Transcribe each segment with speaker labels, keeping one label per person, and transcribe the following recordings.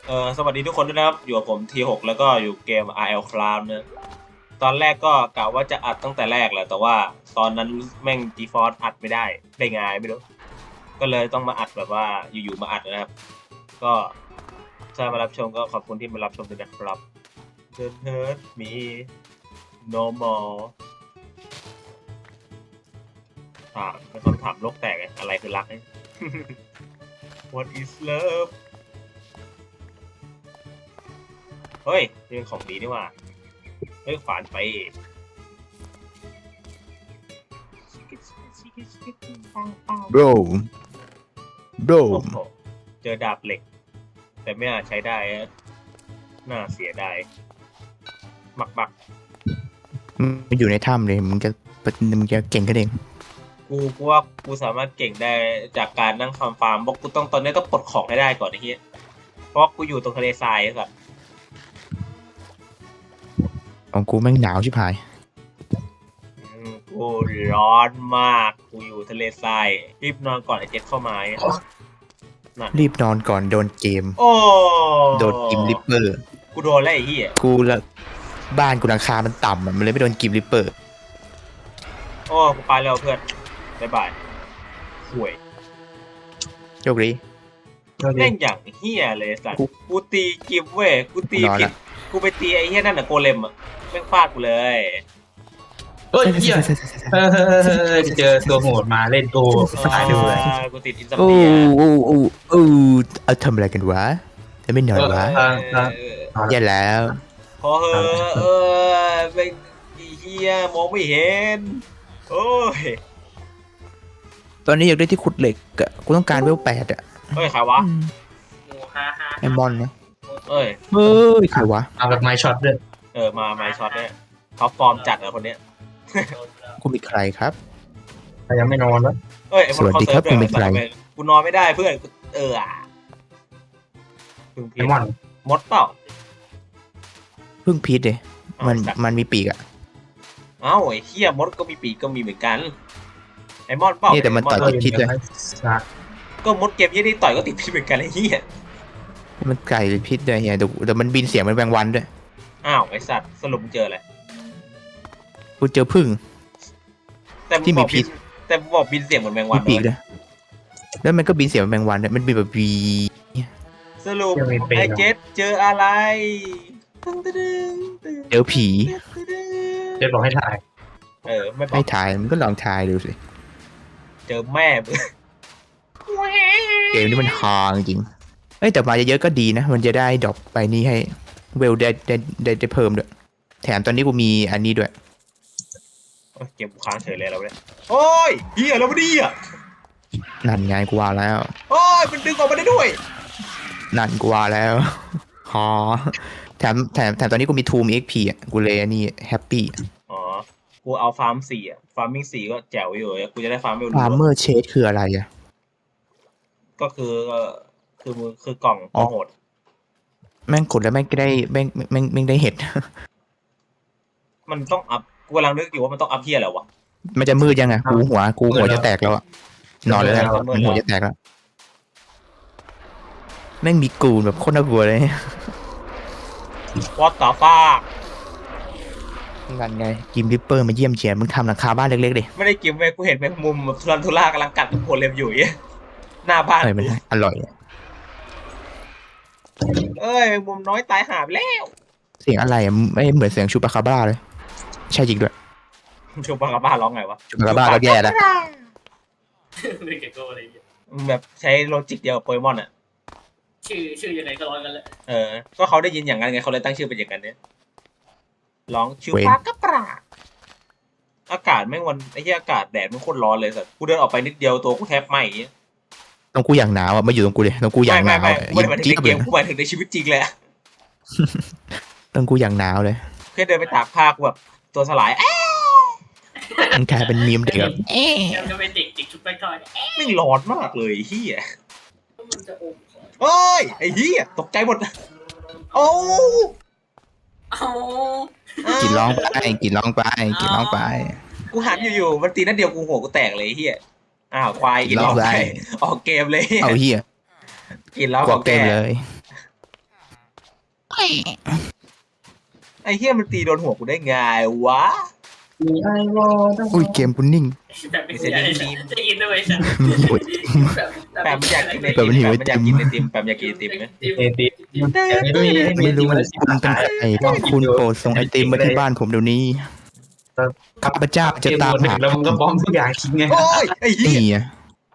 Speaker 1: สวัสดีทุกคนด้วยนะครับอยู่กับผม T6 แล้วก็อยู่เกม RL Cloud นะตอนแรกก็กะว่าจะอัดตั้งแต่แรกแหละแต่ว่าตอนนั้นแม่ง GeForce อัดไม่ได้ไงไม่รู้ก็เลยต้องมาอัดแบบว่าอยู่ๆมาอัดนะครับก็ถ้ามารับชมก็ขอบคุณที่มารับชมด้วยนะครับ The Hurt Me No More เป็นคำถามโลกแตกไงอะไรคือรัก What is love เฮ้ยนี่เป็นของดีนี่หว่าเฮ้ยขวานไป
Speaker 2: bro
Speaker 1: โอ้โหเจอดาบเหล็ก แต่ไม่อาจใช้ได้อะน่าเสียดายมัก
Speaker 2: มันอยู่ในถ้ำเลยมึงจะเก่งกันเอง
Speaker 1: กูว่ากูสามารถเก่งได้จากการนั่งฟาร์มบอกกูต้องตอนนี้ต้องปลดของให้ได้ก่อนไอ้เหี้ยเพราะกูอยู่ตรงทะเลทรายไอ้สัส
Speaker 2: ของกูแม่งหนาวชิบหาย
Speaker 1: กูร้อนมากกูอยู่ทะเลทรายรีบนอนก่อนไอ้เจ็ดเข้ามาเนี่ยนั่น
Speaker 2: รีบนอนก่อนโดนเกม
Speaker 1: โอ้
Speaker 2: โดนกิมริปเปอร์
Speaker 1: กูโดนแล้วไอ้เหี้ย
Speaker 2: กูละบ้านกูหลังคามันต่ำอะมันเลยไม่โดนกิมริปเปอร์
Speaker 1: โอ้กูไปแล้วเพื่อนบ๊ายบายห่วย
Speaker 2: โชคดี
Speaker 1: แม่งอย่างเฮียเลยสัตว์กูตีกิฟเว้ยกูตี
Speaker 2: นอน
Speaker 1: ผิด
Speaker 2: ละ
Speaker 1: กูไปตีไอ้เฮียนั่นน่ะโกเลมอ่ะแม่งฟาดกูเลย
Speaker 3: เฮ้ยเฮียเจอตัวโหดมาเล่นกูตายด้วย
Speaker 1: กูติดอินซัม
Speaker 2: โอ้
Speaker 1: เนีย
Speaker 2: โอ้โอ้โอ้เอาทำอะไรกันวะจะไม่นอนวะแย่แล้ว
Speaker 1: พอเหอะเป็นไอ้เฮียมองไม่เห็นโอ้ย
Speaker 2: ตอนนี้อยากได้ที่ขุดเหล็กอะกูต้องการเวล8อะ
Speaker 1: เฮ้ยใครวะ
Speaker 2: ไอมอนนะ
Speaker 1: เอ้ย
Speaker 2: เฮ้ยใครวะ
Speaker 3: เอาแบบไม้ช็อตด้วย
Speaker 1: มาไมช็อตเนี่ยท็อปฟอร์มจัดอะคนเนี้ย
Speaker 2: กูมีใครครับ
Speaker 3: แต่ยังไม่นอนวะ
Speaker 1: เอ้ยไอ้
Speaker 2: สวัสดีครับ
Speaker 1: น
Speaker 2: คุณเป็นใคร
Speaker 1: กูนอนไม่ได้เพื่อนพึ่ง
Speaker 3: ไอ
Speaker 1: พี
Speaker 3: มอน
Speaker 1: มดเปล่า
Speaker 2: เพิ่งพีทเลยมันมีปีกอะ
Speaker 1: เอ้าไอ้เฮียมดก็มีปีกก็มีเหมือนกันไอ้มอนเปล่า
Speaker 2: นี่แต่มันต่อย
Speaker 1: ไ
Speaker 2: พิษเลย
Speaker 1: ก็มดเกมยี่นี่ต่อยก็ติดพิษเหมือนกันไอ้เหี้ย
Speaker 2: มันไก่พิษด้วยเฮียแต่มันบินเสียงมันแมงวันด้วย
Speaker 1: อ้าวไอ้สัตว์สรุปมึงเจออะไร
Speaker 2: กูเจอพึ่ง
Speaker 1: แต่มึง
Speaker 2: ที่
Speaker 1: บ
Speaker 2: มี
Speaker 1: อก
Speaker 2: พิ
Speaker 1: บิ
Speaker 2: ษ
Speaker 1: นแต่มึงบอกบินเสียงเหมือนแมงวั
Speaker 2: มี
Speaker 1: น
Speaker 2: ปีก
Speaker 1: เล
Speaker 2: ด้วย ยแล้วมันก็บินเสียงเหมือนแมงวันด้วยมันบินแบบวี
Speaker 1: สรุปไอ้เจ็ดเจออะไรตึ้งตึ้งตึ้ง
Speaker 2: เจอผี
Speaker 3: เจ๊บอกให้ถ่าย
Speaker 1: ไม่บอ
Speaker 2: ให้
Speaker 1: ก
Speaker 2: ถ่ายมันก็ลองถ่ายดูสิ
Speaker 1: เจอแม่มึง
Speaker 2: เกมนี้มันฮาจริงเอ้ยแต่มาเยอะๆก็ดีนะ มันจะได้ดรอปไปนี่ให้เวลได้เพิ่มด้วยแถมตอนนี้กูมีอันนี้ด้วย
Speaker 1: เกมกูค้างเฉยเลยเราเนี่ยโอ้ยเหี้ยแล้วมันดีอ่ะ
Speaker 2: นั่นไงกูว่าแล้ว
Speaker 1: โอ้ยมันดึงออกมาได้ด้วย
Speaker 2: นั่นกูว่าแล้วฮาแถมตอนนี้กูมีทูมเอ็กพีอ่ะกูเลยอันนี้แฮปปี้
Speaker 1: อ๋อกูเอาฟาร์ม4อ่ะฟาร์มมิ่ง4ก็แจ๋วอยู่กูจะได้ฟาร์มไม่รู้
Speaker 2: ฟาร์เมอร์เชดคืออะไรอ่ะ
Speaker 1: ก็คือกล่องโหด
Speaker 2: แม่งกดแล้วแม่งก็ได้แม่งได้เห็ด
Speaker 1: มันต้องอัพกูกำลังนึกอยู่ว่ามันต้องอัพเฮียอะไรวะ
Speaker 2: มันจะมืดยังไงกูหัวจะแตกแล้วอะนอนเลยนะมันหัวจะแตกแล้วแม่งมีกูนแบบโคตรน่ากลัวเลย
Speaker 1: วอตต่อฟา
Speaker 2: กันไงกิมริปเปอร์มาเยี่ยมเชียร์มึงทำหลังคาบ้านเล็กๆดิ
Speaker 1: ไม่ได้กินเว้ยกูเห็นแมงมุมแบบทุรันทุรากำลังกัดโคเลมอยู่เนี่ยหน้าบ้าน
Speaker 2: เอ้ยมันอร่อย
Speaker 1: เอ้ยแมงมุมน้อยตายหาไปแล้ว
Speaker 2: เสียงอะไรอะไม่เหมือนเสียงชูปาคาบ้าเลยใช่จริงด้วย
Speaker 1: ชูบังกาบ้าร้องไงวะ
Speaker 2: ชูปาคาบ้าก็แย่แล้ว
Speaker 4: ไม่เก่งก็อะไรอย่างเงี้ย
Speaker 1: แบบใช้โลจิกเดียวกับโปเกมอนอ่ะ
Speaker 4: ชื่อยังไงก็ร้อยกันแหละ
Speaker 1: ก็เขาได้ยินอย่างนั้นไงเขาเลยตั้งชื่อเป็นอย่างนั้นเนี่ยร้องชู
Speaker 2: เว้น
Speaker 1: ปากระปราอากาศแม่งวันไอ้ที่อากาศแดดมันโคตรร้อนเลยสัสกูเดินออกไปนิดเดียวตัวกูแทบไหม้อย่างเงี้ย
Speaker 2: ตรงกูอย่างหนาวอะมาอยู่ตรงกูเลยตรงกูอย่างหนาว
Speaker 1: ไม่
Speaker 2: อะ
Speaker 1: ไม่ได้หมายถึง
Speaker 2: จี๊
Speaker 1: ใน
Speaker 2: ด
Speaker 1: เก
Speaker 2: เลย
Speaker 1: มกูหมายถึงในชีวิตจริงเลยอะ
Speaker 2: ตรงกูอย่างหนาวเลย
Speaker 1: แค่เดินไปตากผ้ากูแบบตัวสลาย
Speaker 2: มันกลายเป็นมีมเด็กแบบ
Speaker 4: ยังจะเป็นเด็กชุดไปทอด
Speaker 1: แม่งร้อนมากเลยเฮีย
Speaker 4: มันจะอม
Speaker 1: เอ้ยไอ้เฮียตกใจหมดโอ้
Speaker 4: เอา
Speaker 2: กินร้องไปกินร้องไปกินร้องไป
Speaker 1: กูหันอยู่ๆมันตีนัดเดียวกูหัวกูแตกเลยเฮียอ้าวควายกินร้อง
Speaker 2: ร้อง
Speaker 1: ไป
Speaker 2: ไป
Speaker 1: ออกเกมเลย
Speaker 2: เอาเฮีย
Speaker 1: กินแล้ว
Speaker 2: กวกเต็มเลย
Speaker 1: ไอ้เหี้ยมันตีโดนหัวกูได้ไงวะ
Speaker 3: มีไอวอล
Speaker 2: อุ้ยเกมกูนิ่ง
Speaker 4: แบบไม่ใช่จะกินด้วยใช่
Speaker 2: โอ้ย
Speaker 1: แปมมันอยากกินไอ
Speaker 2: แป
Speaker 1: ติ
Speaker 2: ม
Speaker 1: ม
Speaker 2: มันหิว
Speaker 1: แปมมันอยากกินไอติมแปมอยากกินไอติมไหม
Speaker 3: เอติอย่างนี้ไม่
Speaker 2: ไม่รู้
Speaker 3: มัน
Speaker 2: คุณเป็นใครคุณโปรดส่งไอติมมาที่บ้านผมเดี๋ยวนี้ข้าพเจ้าจะตามหา
Speaker 3: แล้วมึงก็บอมทุกอย่างทิ้งไง
Speaker 1: โอ้ยไอ้เหี้
Speaker 2: นี่
Speaker 1: ย
Speaker 2: ไง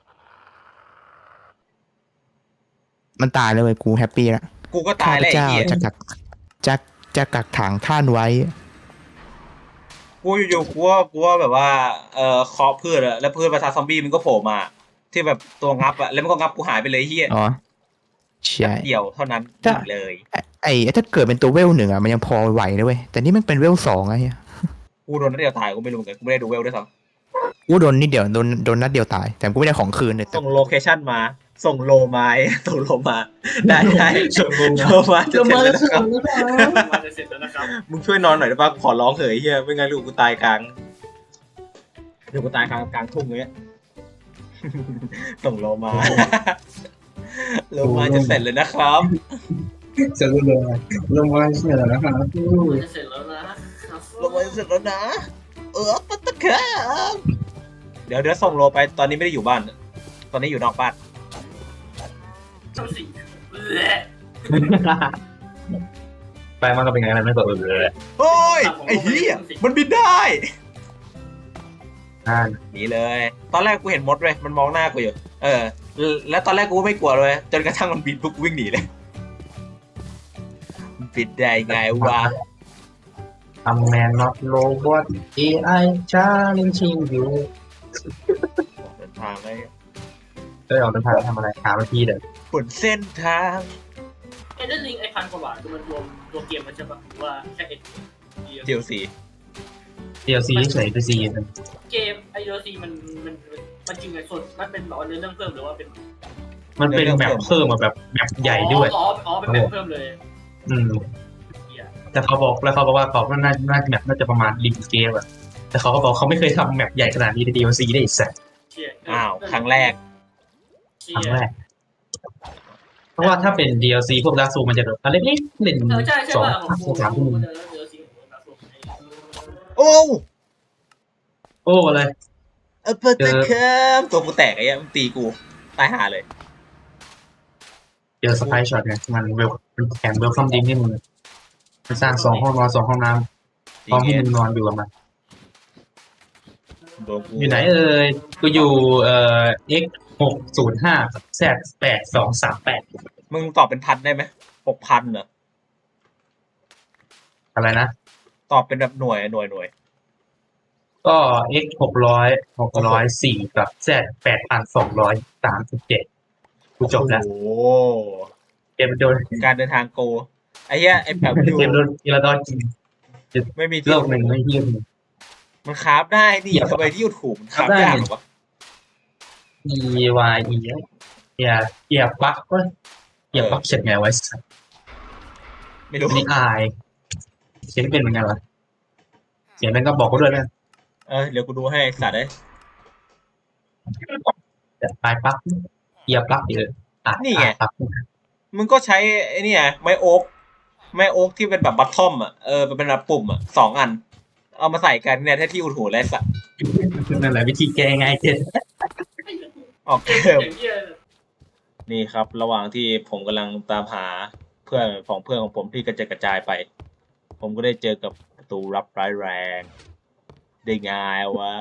Speaker 2: มันตายเลยเว้ยกูแฮปปี้ละ
Speaker 1: กูก็
Speaker 2: ข้า
Speaker 1: ตาย
Speaker 2: พ
Speaker 1: แล้วไอ้
Speaker 2: เจ้า
Speaker 1: เหี้ย
Speaker 2: จะกักขังท่านไว้
Speaker 1: กูอยู่ๆกูว่าแบบว่าเคาะพืชอะแล้วพืชประสาทซอมบี้มันก็โผล่มา ที่แบบตัวงับอะแล้วมันก็งับกูหายไปเลยไอ้เหี้ย
Speaker 2: อ๋อใช่
Speaker 1: เดียวเท่านั้น
Speaker 2: ถ้า
Speaker 1: เลย
Speaker 2: ไอ้ถ้าเกิดเป็นตัวเวลหนึ่งอ่ะมันยังพอไหวนะเว้ยแต่นี่มันเป็นเวลสองอะเฮีย
Speaker 1: กูโดนนัดเดียวตายกูไม่รู้เหมือนกันกูไม่ได้ดูเวลด้วยซ้
Speaker 2: กูโดนนิดเดียวโดนนัดเดียวตาย แต่กูไม่ได้ของคืนเลย
Speaker 1: ำ
Speaker 2: แต่
Speaker 1: ส่งโลเคชั่นมา ส่งโลมา ส่งโลมาได้
Speaker 3: ส่งโลมา
Speaker 1: โลมาจะเสร็จแล้วนะครับ
Speaker 4: มาจะเสร็จแล้วนะครับ
Speaker 1: มึงช่วยนอนหน่อยได้ปะขอร้องเถอะไอ้เหี้ยไม่งั้นลูกกูตายกลางเดี๋ยวกูตายกลางทุ่งเลย ส่งโลมา โลมาจะเสร็จเลยนะครับ
Speaker 3: จะรู้เลยลงมาเสียแล้วนะครับ
Speaker 4: มันจะเสร็จแล้วนะ
Speaker 1: โลมาจะเสร็จแล้วนะ ปัตตะครับเดี๋ยวส่งโลไปตอนนี้ไม่ได้อยู่บ้าน ตอนนี้อยู่นอกบ้าน
Speaker 4: เจ้าสิ
Speaker 3: ไปมันก็เป็นไงมันไม่เปิดเลย
Speaker 1: เฮ้ยไอ้เหี้ยมันบินได้
Speaker 3: อ่า
Speaker 1: หนีเลย ตอนแรกกูเห็นมดเลยมันมองหน้ากูอยู่ แล้วตอนแรกกูก็ไม่กลัวเลยจนกระทั่งมันบินปุ๊บกูวิ่งหนีเลยมันบินได้ไงวะ
Speaker 3: ทำแมนน็อตโรบอท AI challenging you
Speaker 1: เดินทางไป
Speaker 3: ได้ออกเดินทางทำอะไรหาวิธีเด้อบ
Speaker 1: นเส้นทาง
Speaker 4: เอ็นเดอร์ลิงไอพันกว่าบาทคือมันรวมเกมมันใช่ปะหรือว่าแค่เอ็น
Speaker 1: DLC
Speaker 3: DLC เฉยไปซีน
Speaker 4: เกมไอเดอร์ซีมันจริงไงส่วนมันเป็นแบบว่าเรื่องเพิ่มหรือว่าเป็น
Speaker 3: มันเป็นแบบเพิ่มมาแบบแบบใหญ่ด้วย
Speaker 4: อ๋อเป็นแบบเพิ่มเลย
Speaker 3: อืมแต่เขาบอกว่าเขาน่าน่าจะประมาณลิงเกมอะแต่เขาก็บอกเขาไม่เคยทำแมปใหญ่ขนาดนี้ใน DLC ได้อีกสัก
Speaker 1: อ้าวครั้งแรก
Speaker 3: ครั้งแรกเพราะว่าถ้าเป็น DLC พวกดาร์กซูมันจะแบบอันเล็กๆเล่น
Speaker 4: ใช่
Speaker 3: สอง
Speaker 4: ป่ะผม
Speaker 3: สามชั่วโมง
Speaker 4: เจอซี
Speaker 1: โอ้
Speaker 3: โอ้อะไร
Speaker 1: ปัตตะครับตัวกูแตกไอ้เหี้ยมันตีกูตายห่าเลย
Speaker 3: เจอสไปช็อตไงมันแถมเวลคัมดิ้งให้มึงมันสร้าง2 ห้องนอน2 ห้องน้ำห้องที่มึงนอนอยู่กับมัน
Speaker 1: โดนกู
Speaker 3: อยู่ไหนกูอยู่X605 Z8238
Speaker 1: มึงตอบเป็นพันได้ไหม6,000เหรอ
Speaker 3: อะไรนะ
Speaker 1: ตอบเป็นแบบหน่วย
Speaker 3: ก็ X604 กับ Z8237 กูจบแล้ว
Speaker 1: โอ้โห
Speaker 3: เกมโดน
Speaker 1: การเดินทางโกไอ้เหี้ยไอ้แบบอยู่
Speaker 3: เกมโดนทีละดอนจริง
Speaker 1: ไม่มี
Speaker 3: โล
Speaker 1: ที่
Speaker 3: กหนึ่งไม่เที่ยง
Speaker 1: มันคราฟได้นี่
Speaker 3: เหยียบ
Speaker 1: ทำไมที่อยู่ถูกมันคราฟ
Speaker 3: คราฟได้
Speaker 1: ยากเหรอวะ
Speaker 3: EYE เหยียบบั๊กก็เหยียบบั๊กเขียนไงไว้สัตว์
Speaker 1: ไม่รู้
Speaker 3: นี่อายเขียนเป็นเหมือนกันวะเขียนเป็นก็บอกกูด้วยนะ
Speaker 1: เดี๋ยวกูดูให้สัตว์เลย
Speaker 3: แต่ปลายปักเหยียบปักเยอะปัก
Speaker 1: มึงก็ใช้ไอ้นี่ไงไม้โอ๊กที่เป็นแบบบัตทอมอ่ะเป็นแบบปุ่มอ่ะ2 อัน เอามาใส่กันเนี่ยแท้ที่อุดหูและสัตว์
Speaker 3: นั่นแหละวิธีแก้ง่ายเกิน
Speaker 1: ออกเกม นี่ครับ ระหว่างที่ผมกำลังตามหาเพื่อนของผมที่กระจายไป ผมก็ได้เจอกับประตูลับร้ายแรง ได้ไงวะ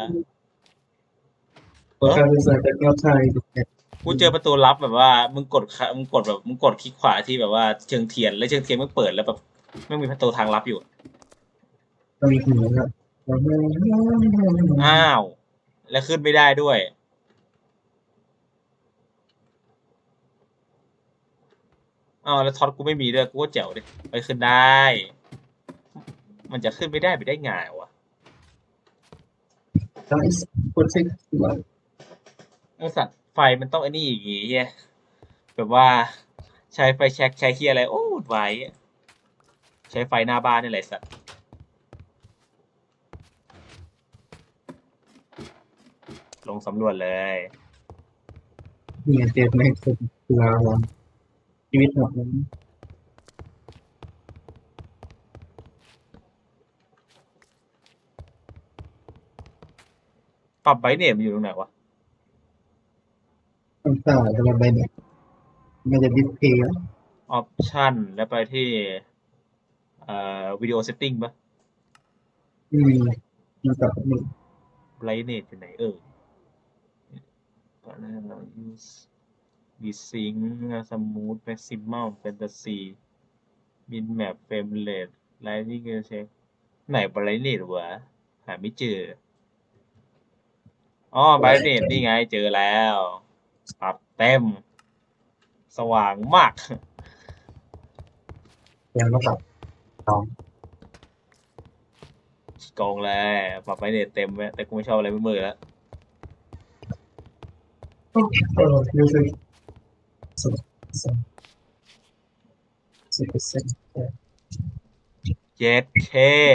Speaker 1: กูเจอประตูลับแบบว่ามึงกดคลิกขวาที่แบบว่าเชิงเทียนแล้วเชิงเทียนมันเปิดแล้วแบบไม่มีประตูทางลับอยู่
Speaker 3: มีหูครับ
Speaker 1: อ้าว แล้วขึ้นไม่ได้ด้วย อ้าวแล้วท็อตกูไม่มีด้วยกูก็แจ๋วดิไปขึ้นได้ มันจะขึ้นไม่ได้ไปได้ไงวะ
Speaker 3: ต้องกดเช็ค
Speaker 1: ไอสัตว์ไฟมันต้องไอ้นี่อย่างงี้เฮียแบบว่าใช้ไฟแช็กใช้เฮียอะไรโอ้ไว้ใช้ไฟหน้าบ้านนี่แหละสัตว์ลงสำรวจเลย
Speaker 3: เนี่ยเจ็บในสุดเราชีวิตหมด
Speaker 1: ปรับไบเนตมันอยู่ตรงไหนวะ
Speaker 3: ต่างๆสำหรับใบเนี่ยมันจะดิสเพย์
Speaker 1: ออปชั่นแล้วไปที่วิดีโอเซตติ้งปะ
Speaker 3: มันกับนี่
Speaker 1: ไบเนตอยู่ไหนตอนนั้นเรา use ดีซิงสมูทแม็กซิมัมแฟนตาซีมินแมปเฟรมเรทไลนิ่งเช็คไหนไบเนตวะหาไม่เจออ๋อไบเนตนี่ไงเจอแล้วปรับเต็ม สว่างมาก
Speaker 3: ยังต้องกับสอง
Speaker 1: กองเลยปรับไบเนตเต็มไว้แต่กูไม่ชอบอะไรมืดๆแล้ว
Speaker 3: รู้สึก10%
Speaker 1: เจ็ดเค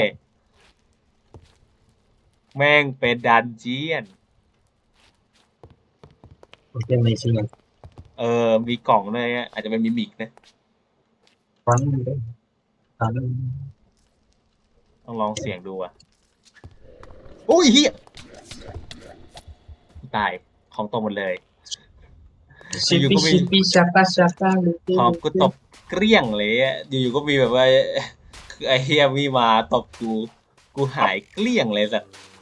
Speaker 1: แม่งเป็นดันเจียน
Speaker 3: โอเคในชิ้นนั้น
Speaker 1: มีกล่องด้วยอะอาจจะเป็นมิมิกนะ
Speaker 3: ตอนนั้น
Speaker 1: ต้องลองเสี่ยงดูอ่ะโอ้ยเฮียตายของตกหมดเลย
Speaker 3: ชิปปี้ชาตา
Speaker 1: ของกูตบเกลี้ยงเลยอะอยู่ๆก็มีแบบว่า คือไอเฮียมีมาตบกูหายเกลี้ยงเลยสัตว์